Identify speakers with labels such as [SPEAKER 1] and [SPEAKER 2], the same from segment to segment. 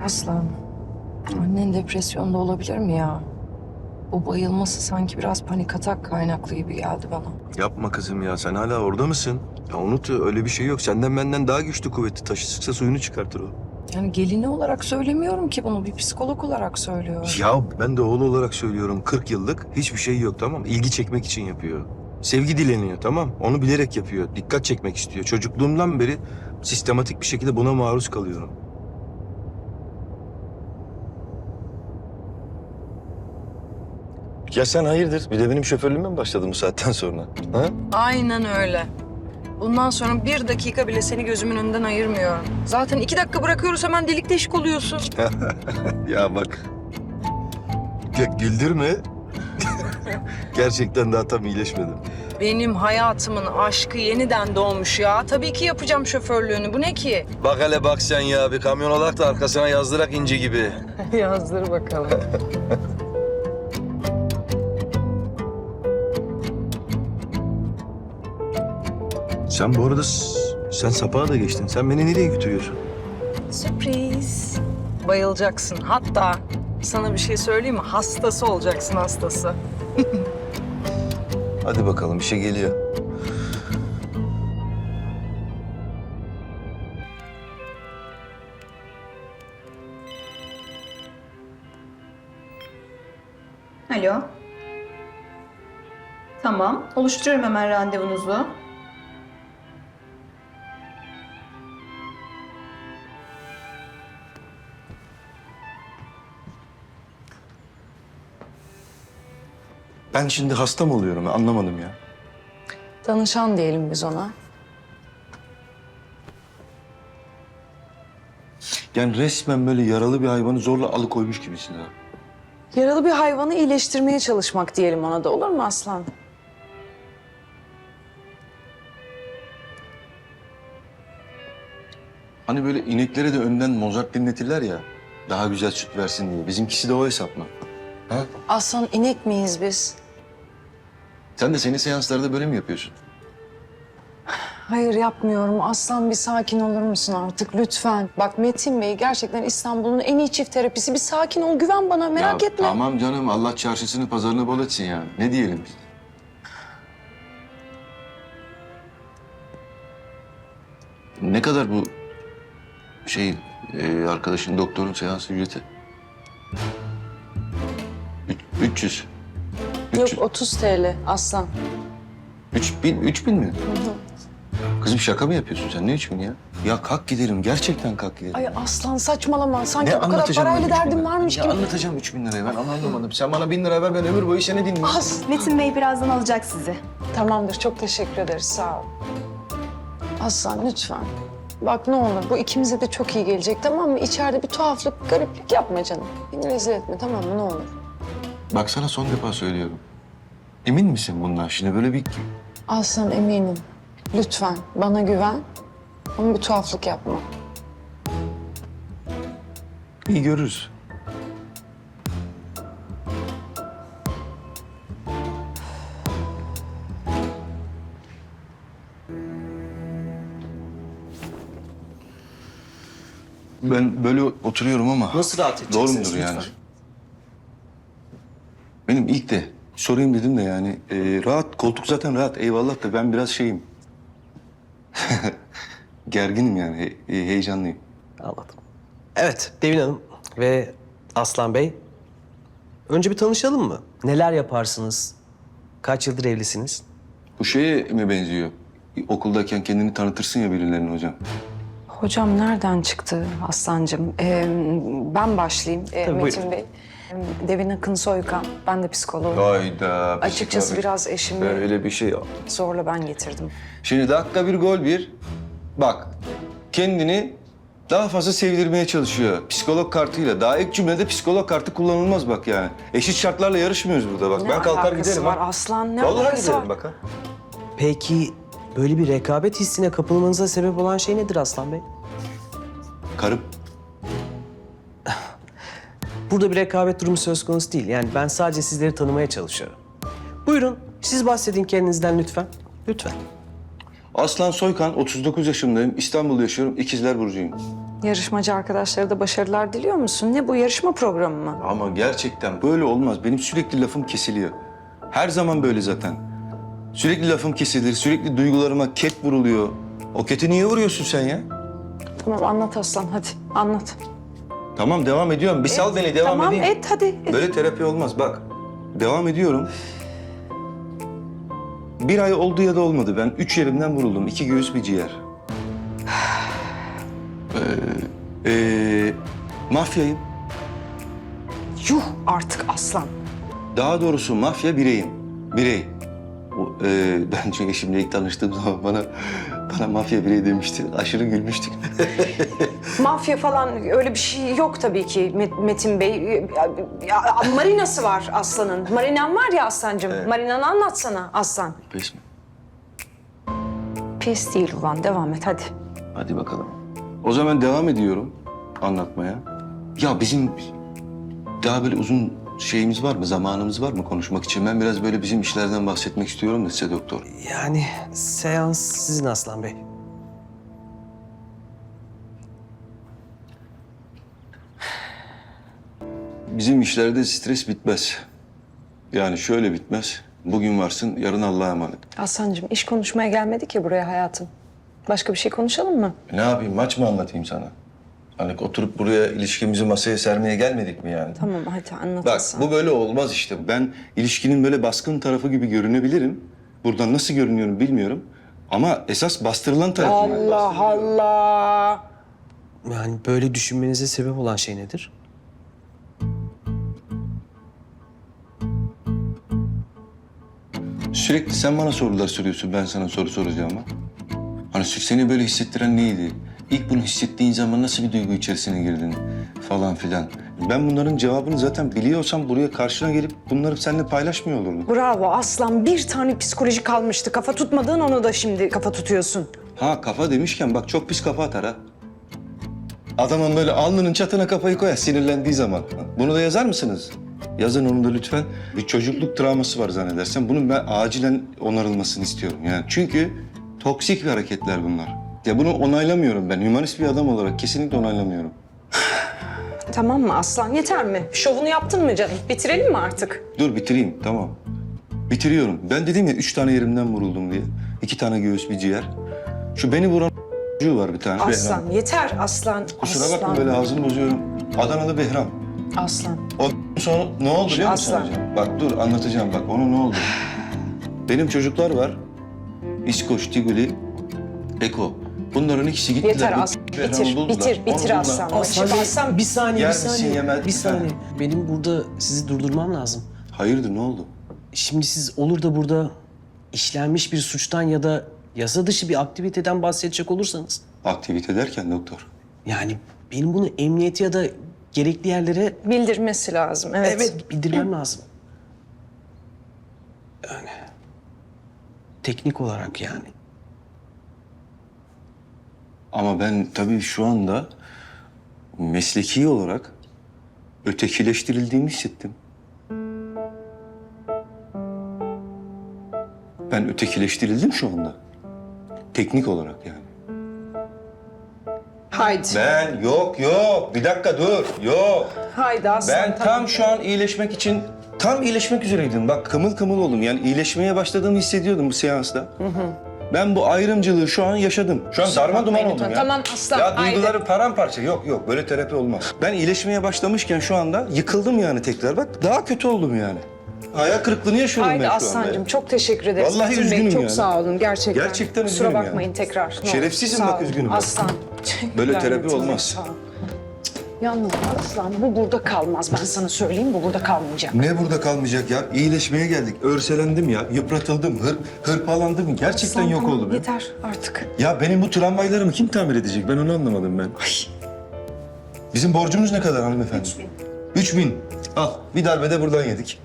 [SPEAKER 1] Aslan, annen depresyonda olabilir mi ya? Bu bayılması sanki biraz panik atak kaynaklı gibi geldi bana.
[SPEAKER 2] Yapma kızım ya. Sen hala orada mısın? Ya unut, öyle bir şey yok. Senden benden daha güçlü kuvvetli. Taşı sıksa suyunu çıkartır o.
[SPEAKER 1] Yani gelini olarak söylemiyorum ki bunu, bir psikolog olarak söylüyorum.
[SPEAKER 2] Ya ben de oğlu olarak söylüyorum. 40 yıllık hiçbir şey yok, tamam mı? İlgi çekmek için yapıyor. Sevgi dileniyor, tamam. Onu bilerek yapıyor. Dikkat çekmek istiyor. Çocukluğumdan beri sistematik bir şekilde buna maruz kalıyorum. Ya sen hayırdır? Bir de benim şoförlüğüme mi başladın bu saatten sonra? Ha?
[SPEAKER 1] Aynen öyle. Bundan sonra bir dakika bile seni gözümün önünden ayırmıyorum. Zaten 2 dakika bırakıyoruz, hemen delik deşik oluyorsun.
[SPEAKER 2] Ya bak. Güldürme. Gerçekten daha tam iyileşmedim.
[SPEAKER 1] Benim hayatımın aşkı yeniden doğmuş ya. Tabii ki yapacağım şoförlüğünü. Bu ne ki?
[SPEAKER 2] Bak hele bak sen ya. Bir kamyon olarak da arkasına yazdırak inci gibi.
[SPEAKER 1] Yazdır bakalım.
[SPEAKER 2] Sen bu arada sen sapağa da geçtin. Sen beni nereye götürüyorsun?
[SPEAKER 1] Sürpriz. Bayılacaksın. Hatta sana bir şey söyleyeyim mi? Hastası olacaksın, hastası.
[SPEAKER 2] Hadi bakalım, bir şey geliyor.
[SPEAKER 3] Alo. Tamam, oluşturuyorum hemen randevunuzu.
[SPEAKER 2] Ben şimdi hasta mı oluyorum? Anlamadım ya.
[SPEAKER 1] Danışan diyelim biz ona.
[SPEAKER 2] Yani resmen böyle yaralı bir hayvanı zorla alıkoymuş gibisin ha.
[SPEAKER 1] Yaralı bir hayvanı iyileştirmeye çalışmak diyelim ona da, olur mu Aslan?
[SPEAKER 2] Hani böyle ineklere de önden Mozart dinletirler ya. Daha güzel süt versin diye. Bizimkisi de o hesap mı? Ha?
[SPEAKER 1] Aslan, inek miyiz biz?
[SPEAKER 2] Sen de senin seanslarda böyle mi yapıyorsun?
[SPEAKER 1] Hayır, yapmıyorum. Aslan, bir sakin olur musun artık lütfen? Bak Metin Bey gerçekten İstanbul'un en iyi çift terapisi. Bir sakin ol, güven bana, merak
[SPEAKER 2] Ya
[SPEAKER 1] etme.
[SPEAKER 2] tamam canım, Allah çarşısını pazarını bol etsin yani. Ne diyelim biz? Ne kadar bu arkadaşın doktorun seans ücreti? 300.
[SPEAKER 1] Yok, 30 TL Aslan.
[SPEAKER 2] 3000 mi? Kızım şaka mı yapıyorsun sen? Ne 3000 ya? Ya kalk gidelim. Gerçekten kalk gidelim.
[SPEAKER 1] Ay Aslan, saçmalama. Sanki
[SPEAKER 2] Ne
[SPEAKER 1] bu kadar
[SPEAKER 2] anlatacağım
[SPEAKER 1] parayla
[SPEAKER 2] ben 3000
[SPEAKER 1] derdin
[SPEAKER 2] lira?
[SPEAKER 1] varmış
[SPEAKER 2] Ne
[SPEAKER 1] gibi.
[SPEAKER 2] anlatacağım 3000 lirayı? Ben anlamadım. Sen bana 1000 lira ver, ben ömür boyu seni dinleyeyim.
[SPEAKER 3] Metin Bey birazdan alacak sizi.
[SPEAKER 1] Tamamdır, çok teşekkür ederiz. Sağ ol. Aslan lütfen. Bak ne olur, bu ikimize de çok iyi gelecek, tamam mı? İçeride bir tuhaflık, gariplik yapma canım. Beni rezil etme, tamam mı? Ne olur.
[SPEAKER 2] Bak sana son defa söylüyorum. Emin misin bundan? Şimdi böyle bir...
[SPEAKER 1] Aslan, eminim. Lütfen bana güven. Ama bir tuhaflık yapma.
[SPEAKER 2] İyi görürüz. Ben böyle oturuyorum ama...
[SPEAKER 4] Nasıl rahat
[SPEAKER 2] Doğru
[SPEAKER 4] edeceksiniz
[SPEAKER 2] mudur yani?
[SPEAKER 4] lütfen?
[SPEAKER 2] Benim ilk de sorayım dedim de yani rahat, koltuk zaten rahat eyvallah da ben biraz şeyim. Gerginim yani, heyecanlıyım.
[SPEAKER 4] Anladım. Evet, Devin Hanım ve Aslan Bey. Önce bir tanışalım mı? Neler yaparsınız? Kaç yıldır evlisiniz?
[SPEAKER 2] Bu şeye mi benziyor? Okuldayken kendini tanıtırsın ya birilerine hocam.
[SPEAKER 1] Hocam nereden çıktı Aslancığım? Ben başlayayım
[SPEAKER 4] Tabii,
[SPEAKER 1] Metin
[SPEAKER 4] buyurun.
[SPEAKER 1] Bey. Devin Akın Soykan. Ben de psikoloğum.
[SPEAKER 2] Hayda.
[SPEAKER 1] Açıkçası biraz eşimi
[SPEAKER 2] Öyle bir şey.
[SPEAKER 1] zorla ben getirdim.
[SPEAKER 2] Şimdi dakika bir gol bir. Bak kendini daha fazla sevdirmeye çalışıyor. Psikolog kartıyla. Daha ilk cümlede psikolog kartı kullanılmaz bak yani. Eşit şartlarla yarışmıyoruz burada bak.
[SPEAKER 1] Ne
[SPEAKER 2] Ben kalkar
[SPEAKER 1] alakası
[SPEAKER 2] giderim
[SPEAKER 1] var
[SPEAKER 2] ha.
[SPEAKER 1] Aslan? Ne
[SPEAKER 2] Vallahi
[SPEAKER 1] alakası
[SPEAKER 2] giderim
[SPEAKER 1] var?
[SPEAKER 2] bak ha.
[SPEAKER 4] Peki böyle bir rekabet hissine kapılmanıza sebep olan şey nedir Aslan Bey?
[SPEAKER 2] Karım.
[SPEAKER 4] Burada bir rekabet durumu söz konusu değil. Yani ben sadece sizleri tanımaya çalışıyorum. Buyurun, siz bahsedin kendinizden lütfen. Lütfen.
[SPEAKER 2] Aslan Soykan, 39 yaşındayım. İstanbul'da yaşıyorum. İkizler Burcu'yum.
[SPEAKER 1] Yarışmacı arkadaşlara da başarılar diliyor musun? Ne bu, yarışma programı mı?
[SPEAKER 2] Ama gerçekten böyle olmaz. Benim sürekli lafım kesiliyor. Her zaman böyle zaten. Sürekli lafım kesilir, sürekli duygularıma ket vuruluyor. O keti niye vuruyorsun sen ya?
[SPEAKER 1] Tamam anlat Aslan, hadi anlat.
[SPEAKER 2] Tamam, devam ediyorum. Bir sal beni, devam
[SPEAKER 1] tamam,
[SPEAKER 2] edeyim.
[SPEAKER 1] et hadi. Et.
[SPEAKER 2] Böyle terapi olmaz. Bak, devam ediyorum. 1 ay oldu ya da olmadı. Ben 3 yerimden vuruldum. 2 göğüs, bir ciğer. Mafyayım.
[SPEAKER 1] Yuh artık Aslan.
[SPEAKER 2] Daha doğrusu mafya bireyim. Birey. Ben çünkü eşimle ilk tanıştığım zaman bana mafya birey demişti. Aşırı gülmüştük.
[SPEAKER 1] Mafya falan öyle bir şey yok tabii ki Metin Bey. Marinası var Aslan'ın. Marinan var ya Aslancığım.
[SPEAKER 2] Evet.
[SPEAKER 1] Marinanı anlatsana Aslan.
[SPEAKER 2] Pes mi?
[SPEAKER 1] Pes değil ulan, devam et hadi.
[SPEAKER 2] Hadi bakalım. O zaman devam ediyorum anlatmaya. Ya bizim daha böyle uzun şeyimiz var mı, zamanımız var mı konuşmak için? Ben biraz böyle bizim işlerden bahsetmek istiyorum da size doktor.
[SPEAKER 4] Yani seans sizin Aslan Bey.
[SPEAKER 2] Bizim işlerde stres bitmez. Yani şöyle bitmez. Bugün varsın, yarın Allah'a emanet.
[SPEAKER 1] Aslancığım iş konuşmaya gelmedik ya buraya hayatım. Başka bir şey konuşalım mı?
[SPEAKER 2] Ne yapayım, maç mı anlatayım sana? Hani oturup buraya ilişkimizi masaya sermeye gelmedik mi yani?
[SPEAKER 1] Tamam hadi anlat
[SPEAKER 2] Bak,
[SPEAKER 1] Aslan.
[SPEAKER 2] bu böyle olmaz işte. Ben ilişkinin böyle baskın tarafı gibi görünebilirim. Buradan nasıl görünüyorum bilmiyorum. Ama esas bastırılan tarafım. ben.
[SPEAKER 1] Allah Allah.
[SPEAKER 4] Yani böyle düşünmenize sebep olan şey nedir?
[SPEAKER 2] Sürekli sen bana sorular soruyorsun, ben sana soru soracağım ama. Hani seni böyle hissettiren neydi? İlk bunu hissettiğin zaman nasıl bir duygu içerisine girdin falan filan. Ben bunların cevabını zaten biliyorsam buraya karşına gelip bunları seninle paylaşmıyor olurdum.
[SPEAKER 1] Bravo Aslan. Bir tane psikoloji kalmıştı. Kafa tutmadığın onu da şimdi kafa tutuyorsun.
[SPEAKER 2] Ha, kafa demişken bak çok pis kafa atar ha. Adamın böyle alnının çatına kafayı koyar sinirlendiği zaman. Bunu da yazar mısınız? Yazın onu da lütfen. Bir çocukluk travması var zannedersem. Bunun ben acilen onarılmasını istiyorum. Yani çünkü toksik hareketler bunlar. Ya bunu onaylamıyorum ben. Hümanist bir adam olarak kesinlikle onaylamıyorum.
[SPEAKER 1] Tamam mı Aslan? Yeter mi? Şovunu yaptın mı canım? Bitirelim mi artık?
[SPEAKER 2] Dur bitireyim, tamam. Bitiriyorum. Ben dedim ya 3 tane yerimden vuruldum diye. 2 tane göğüs, bir ciğer. Şu beni vuran var bir tane.
[SPEAKER 1] Aslan
[SPEAKER 2] Behram.
[SPEAKER 1] yeter Aslan.
[SPEAKER 2] Kusura
[SPEAKER 1] Aslan.
[SPEAKER 2] bakma böyle ağzımı bozuyorum. Adanalı Behram.
[SPEAKER 1] Aslan.
[SPEAKER 2] O sonra ne oldu biliyor musun
[SPEAKER 1] Aslan.
[SPEAKER 2] hocam? Bak dur anlatacağım bak onu ne oldu. Benim çocuklar var. İskoç, Tiguli, Eko. Bunların ikisi gittiler.
[SPEAKER 1] Yeter
[SPEAKER 2] bu
[SPEAKER 1] Aslan.
[SPEAKER 2] Behram'ı
[SPEAKER 1] Bitir,
[SPEAKER 2] buldular.
[SPEAKER 1] bitir,
[SPEAKER 2] Onu
[SPEAKER 1] bitir
[SPEAKER 2] buldular.
[SPEAKER 1] Aslan.
[SPEAKER 4] Aslan Bey,
[SPEAKER 1] Aslan.
[SPEAKER 4] bir saniye,
[SPEAKER 2] Yer
[SPEAKER 4] bir
[SPEAKER 2] misin,
[SPEAKER 4] saniye.
[SPEAKER 2] yemez
[SPEAKER 4] Bir saniye.
[SPEAKER 2] misin?
[SPEAKER 4] Benim burada sizi durdurmam lazım.
[SPEAKER 2] Hayırdır ne oldu?
[SPEAKER 4] Şimdi siz olur da burada işlenmiş bir suçtan ya da yasa dışı bir aktiviteden bahsedecek olursanız...
[SPEAKER 2] Aktivite derken doktor.
[SPEAKER 4] Yani benim bunu emniyete ya da gerekli yerlere
[SPEAKER 1] Bildirmesi lazım. Evet.
[SPEAKER 4] bildirmem lazım. Yani teknik olarak yani.
[SPEAKER 2] Ama ben tabii şu anda mesleki olarak ötekileştirildiğimi hissettim. Ben ötekileştirildim şu anda. Teknik olarak yani.
[SPEAKER 1] Haydi.
[SPEAKER 2] Ben yok bir dakika dur yok.
[SPEAKER 1] Haydi Aslan.
[SPEAKER 2] Ben tam şu an iyileşmek için tam iyileşmek üzereydim. Bak kımıl kımıl oldum. Yani iyileşmeye başladığımı hissediyordum bu seansta. Ben bu ayrımcılığı şu an yaşadım. Şu an darma duman oldum ya.
[SPEAKER 1] Tamam Aslan.
[SPEAKER 2] Ya
[SPEAKER 1] haydi.
[SPEAKER 2] duyguları paramparça. Yok böyle terapi olmaz. Ben iyileşmeye başlamışken şu anda yıkıldım yani tekrar. Bak daha kötü oldum yani. Hayal kırıklığını yaşıyorum
[SPEAKER 1] Haydi
[SPEAKER 2] ben şu
[SPEAKER 1] Aslancığım
[SPEAKER 2] anda.
[SPEAKER 1] çok teşekkür ederiz.
[SPEAKER 2] Vallahi
[SPEAKER 1] Metin Bey,
[SPEAKER 2] üzgünüm
[SPEAKER 1] çok
[SPEAKER 2] yani.
[SPEAKER 1] sağ olun gerçekten.
[SPEAKER 2] Gerçekten
[SPEAKER 1] Kusura
[SPEAKER 2] üzgünüm
[SPEAKER 1] bakmayın
[SPEAKER 2] yani.
[SPEAKER 1] tekrar. Ne olur.
[SPEAKER 2] Şerefsizim
[SPEAKER 1] Sağ
[SPEAKER 2] bak,
[SPEAKER 1] olun.
[SPEAKER 2] üzgünüm.
[SPEAKER 1] Aslan.
[SPEAKER 2] Böyle
[SPEAKER 1] Teşekkürler
[SPEAKER 2] terapi
[SPEAKER 1] Metin Bey,
[SPEAKER 2] olmaz.
[SPEAKER 1] sağ ol. Yalnız Aslan bu burada kalmaz. Ben sana söyleyeyim bu burada kalmayacak.
[SPEAKER 2] Ne burada kalmayacak ya? İyileşmeye geldik. Örselendim ya. Yıpratıldım. Hırpalandım. Gerçekten
[SPEAKER 1] Aslan,
[SPEAKER 2] yok
[SPEAKER 1] tamam,
[SPEAKER 2] oldum ya.
[SPEAKER 1] Yeter artık.
[SPEAKER 2] Ya benim bu tramvaylarımı kim tamir edecek? Ben onu anlamadım ben. Bizim borcumuz ne kadar hanımefendi? 3000. Al bir darbede buradan yedik.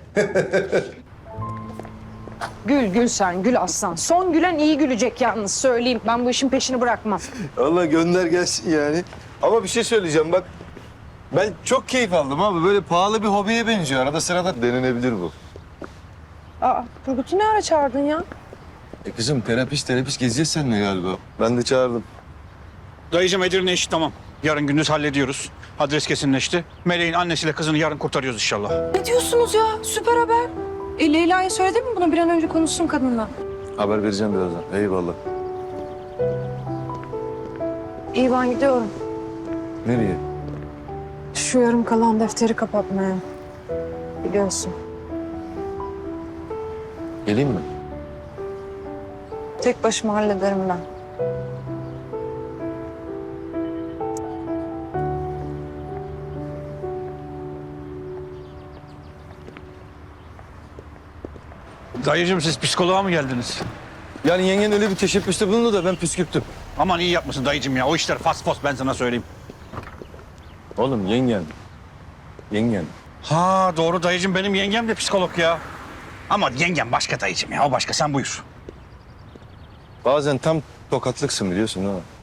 [SPEAKER 1] Gül sen gül Aslan. Son gülen iyi gülecek yalnız söyleyeyim. Ben bu işin peşini bırakmam.
[SPEAKER 2] Allah gönder gelsin yani. Ama bir şey söyleyeceğim bak. Ben çok keyif aldım abi. Böyle pahalı bir hobiye benziyor. Arada sırada denenebilir bu.
[SPEAKER 1] Aa Turgut'u ne ara çağırdın ya?
[SPEAKER 2] Kızım terapist gezeceğiz seninle galiba. Ben de çağırdım.
[SPEAKER 5] Dayıcım Edirne işi tamam. Yarın gündüz hallediyoruz. Adres kesinleşti. Meleğin annesiyle kızını yarın kurtarıyoruz inşallah.
[SPEAKER 1] Ne diyorsunuz ya? Süper haber. Leyla'ya söyledin mi bunu? Bir an önce konuşsun kadınla.
[SPEAKER 6] Haber vereceğim birazdan. Eyvallah.
[SPEAKER 1] İyi, ben gidiyorum.
[SPEAKER 6] Nereye?
[SPEAKER 1] Şu yarım kalan defteri kapatmaya. Biliyorsun.
[SPEAKER 6] Geleyim mi?
[SPEAKER 1] Tek başıma hallederim ben.
[SPEAKER 5] Dayıcığım siz psikoloğa mı geldiniz?
[SPEAKER 6] Yani yengen öyle bir teşebbüste bulundu da ben püskürttüm.
[SPEAKER 5] Aman iyi yapmışsın dayıcığım ya. O işler fas fos ben sana söyleyeyim.
[SPEAKER 6] Oğlum yengen. Yengen.
[SPEAKER 5] Ha doğru dayıcığım benim yengem de psikolog ya. Ama yengem başka dayıcığım ya. O başka sen buyur.
[SPEAKER 6] Bazen tam tokatlıksın biliyorsun ha.